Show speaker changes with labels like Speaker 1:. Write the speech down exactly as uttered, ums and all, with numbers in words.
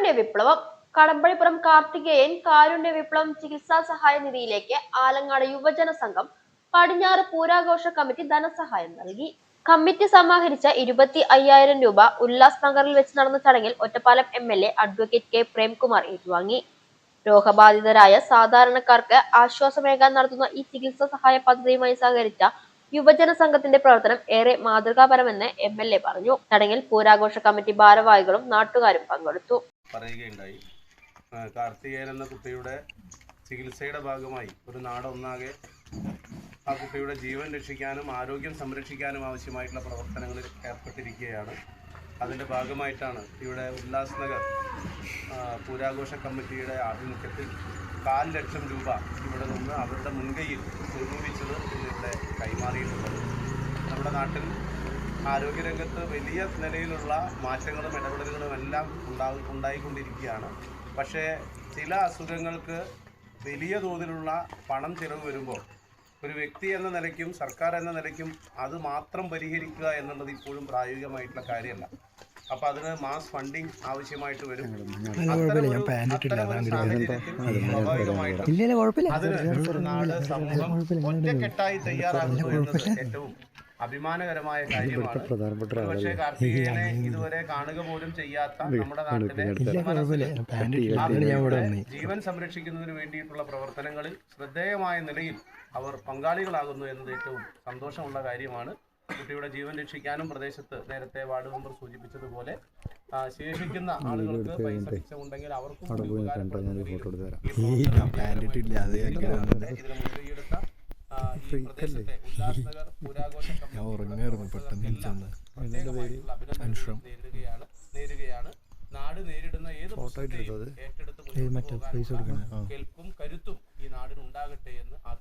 Speaker 1: കാരുണ്യ വിപ്ലവം. കടമ്പഴിപ്പുറം കാർത്തികേയൻ കാരുണ്യ വിപ്ലവം ചികിത്സാ സഹായ നിധിയിലേക്ക് ആലങ്ങാട് യുവജന സംഘം പടിഞ്ഞാറ് പൂരാഘോഷ കമ്മിറ്റി ധനസഹായം നൽകി. കമ്മിറ്റി സമാഹരിച്ച ഇരുപത്തി അയ്യായിരം രൂപ ഉല്ലാസ് നഗറിൽ വെച്ച് നടന്ന ചടങ്ങിൽ Ottapalam M L A advocate K Premkumar ഏറ്റുവാങ്ങി. രോഗബാധിതരായ സാധാരണക്കാർക്ക് ആശ്വാസമേകാൻ നടത്തുന്ന ഈ ചികിത്സാ സഹായ പദ്ധതിയുമായി സഹകരിച്ച യുവജന സംഘത്തിന്റെ പ്രവർത്തനം ഏറെ മാതൃകാപരമെന്ന് എം എൽ എ പറഞ്ഞു. ചടങ്ങിൽ പൂരാഘോഷ കമ്മിറ്റി ഭാരവാഹികളും നാട്ടുകാരും പങ്കെടുത്തു.
Speaker 2: പറയുകയുണ്ടായി. കാർത്തികേയൻ എന്ന കുട്ടിയുടെ ചികിത്സയുടെ ഭാഗമായി ഒരു നാടൊന്നാകെ ആ കുട്ടിയുടെ ജീവൻ രക്ഷിക്കാനും ആരോഗ്യം സംരക്ഷിക്കാനും ആവശ്യമായിട്ടുള്ള പ്രവർത്തനങ്ങളിൽ ഏർപ്പെട്ടിരിക്കുകയാണ്. അതിൻ്റെ ഭാഗമായിട്ടാണ് ഇവിടെ ഉല്ലാസ് നഗർ പൂരാഘോഷ കമ്മിറ്റിയുടെ ആഭിമുഖ്യത്തിൽ കാൽ ലക്ഷം രൂപ ഇവിടെ നിന്ന് അവരുടെ മുൻകൈയിൽ സ്വരൂപിച്ചത് ഇന്നിവിടെ കൈമാറിയിട്ടുള്ളത്. നമ്മുടെ നാട്ടിൽ ആരോഗ്യരംഗത്ത് വലിയ നിലയിലുള്ള മാറ്റങ്ങളും ഇടപെടലുകളും എല്ലാം ഉണ്ടാ ഉണ്ടായിക്കൊണ്ടിരിക്കുകയാണ്. പക്ഷേ ചില അസുഖങ്ങൾക്ക് വലിയ തോതിലുള്ള പണം ചിലവ് വരുമ്പോൾ ഒരു വ്യക്തി എന്ന നിലയ്ക്കും സർക്കാർ എന്ന നിലയ്ക്കും അത് മാത്രം പരിഹരിക്കുക എന്നുള്ളത് ഇപ്പോഴും പ്രായോഗികമായിട്ടുള്ള കാര്യമല്ല. അപ്പോൾ അതിന് മാസ് ഫണ്ടിങ് ആവശ്യമായിട്ട് വരും. സ്വാഭാവികമായിട്ടും അതിന് നാട് സമൂഹം ഒറ്റക്കെട്ടായി തയ്യാറാകുന്നു എന്നത് ഏറ്റവും അഭിമാനകരമായ കാര്യമാണ്. പക്ഷേ കാർത്തികേയനെ ഇതുവരെ കാണുക പോലും ചെയ്യാത്ത നമ്മുടെ നാട്ടിലെ ജീവൻ സംരക്ഷിക്കുന്നതിന് വേണ്ടിയിട്ടുള്ള പ്രവർത്തനങ്ങളിൽ ശ്രദ്ധേയമായ നിലയിൽ അവർ പങ്കാളികളാകുന്നു എന്നത് ഏറ്റവും സന്തോഷമുള്ള കാര്യമാണ്. കുട്ടിയുടെ ജീവൻ രക്ഷിക്കാനും പ്രദേശത്ത് നേരത്തെ വാർഡ് മെമ്പർ സൂചിപ്പിച്ചതുപോലെ ശേഷിക്കുന്ന ആളുകൾക്ക് പൈസ മിച്ചമുണ്ടെങ്കിൽ അവർക്കും ഇതിന് ഈ പ്രദേശത്തെ ഉല്ലാസ് നഗർ പൂരാഘോഷ നേരിടുകയാണ് നേരുകയാണ് നാട് നേരിടുന്ന ഏത് ഏറ്റെടുത്ത് കെൽപ്പും കരുത്തും ഈ നാടിനുണ്ടാകട്ടെ എന്ന്